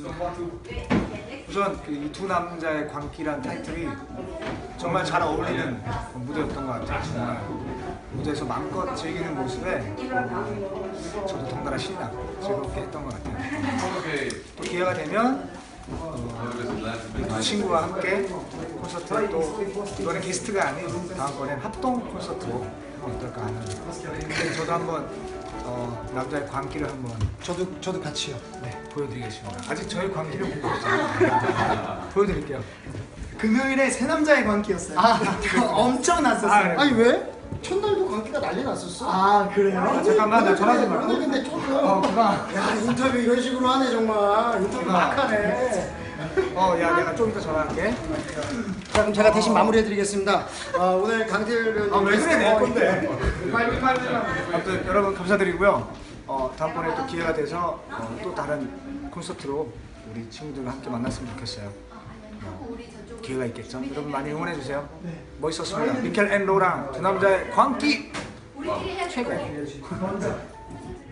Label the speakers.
Speaker 1: 우선 이 두 남자의 광기란 타이틀이 정말 잘 어울리는 무대였던 것 같아요. 정말 무대에서 마음껏 즐기는 모습에 저도 덩달아 신이 나고 즐겁게 했던 것 같아요. 또 기회가 되면 두 친구와 함께 콘서트 또 이번에 게스트가 아닌 다음번엔 합동 콘서트로 어떨까 하는. 근데 저도 한번 남자의 광기를 한번
Speaker 2: 저도 같이요.
Speaker 1: 네, 보여드리겠습니다. 아직 저의 광기를 못 보여드렸잖아요. 보여드릴게요.
Speaker 2: 금요일에 새 남자의 광기였어요. 엄청 났었어요. 아니 왜? 첫날도 광기가 난리 났었어. 아 그래요?
Speaker 1: 잠깐만 나 전화 좀
Speaker 2: 오늘 근데 조금 야 인터뷰 이런 식으로 하네 정말. 인터뷰 막 하네.
Speaker 1: 야 내가 좀 이따 전화할게.
Speaker 2: 자 그럼 제가 대신 마무리해드리겠습니다. 오늘 강태일은
Speaker 1: 왜 그래 내 건데. 아무튼 여러분 감사드리고요. 다음번에 또 기회가 돼서 또 다른 콘서트로 우리 친구들과 함께 만났으면 좋겠어요. 기회가 있겠죠. 여러분 많이 응원해주세요. 멋있었습니다. 미켈 앤 로랑 두 남자의 광기 최고.